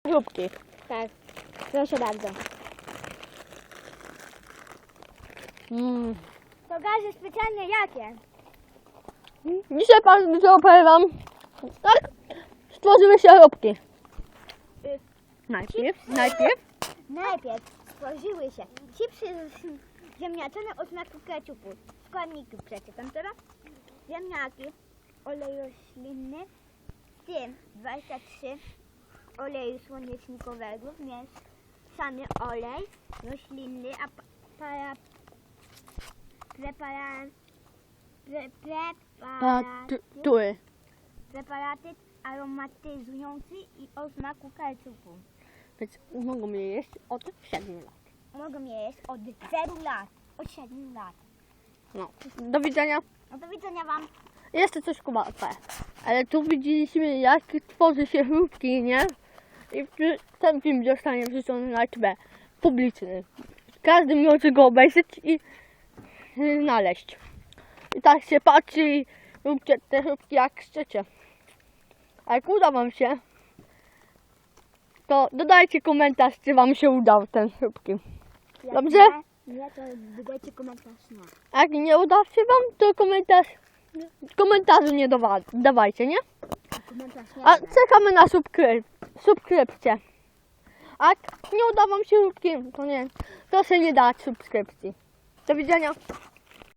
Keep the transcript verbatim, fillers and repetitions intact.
chrupki. Tak, proszę bardzo. Mm. To gazy specjalnie jakie? Dzisiaj Państwu opowiem Wam, tak stworzyły się chrupki. Y, Najpierw, najpierw. Najpierw stworzyły się chipsy ziemniaczane o smaku keczupu. Składniki przeczytam teraz. Ziemniaki, olej roślinny, w tym dwadzieścia trzy oleju słonecznikowego, mieszany olej roślinny, a pa- para, prepara, pre, preparaty, Tury. preparaty aromatyzujący i o smaku keczupu. Więc mogą je jeść od siedmiu lat. Mogą je jeść od zero lat, od siedmiu lat. No. Do widzenia. No do widzenia Wam. Jeszcze coś kubatę. Ale tu widzieliśmy, jak tworzy się chrupki, nie? I ten film zostanie wrzucony na T V publiczny. Każdy może go obejrzeć i y, znaleźć. I tak się patrzy i róbcie te chrupki jak chcecie. A jak uda Wam się, to dodajcie komentarz, czy Wam się udał ten chrupki. Jak Dobrze? Nie, nie, to wydajcie komentarz, nie. A jak nie uda się Wam, to komentarz, komentarzu nie dawa, dawajcie, nie? Komentarz nie. A czekamy na subskryp subskrypcję. A jak nie uda Wam się chrupki, to nie, proszę nie dać subskrypcji. Do widzenia.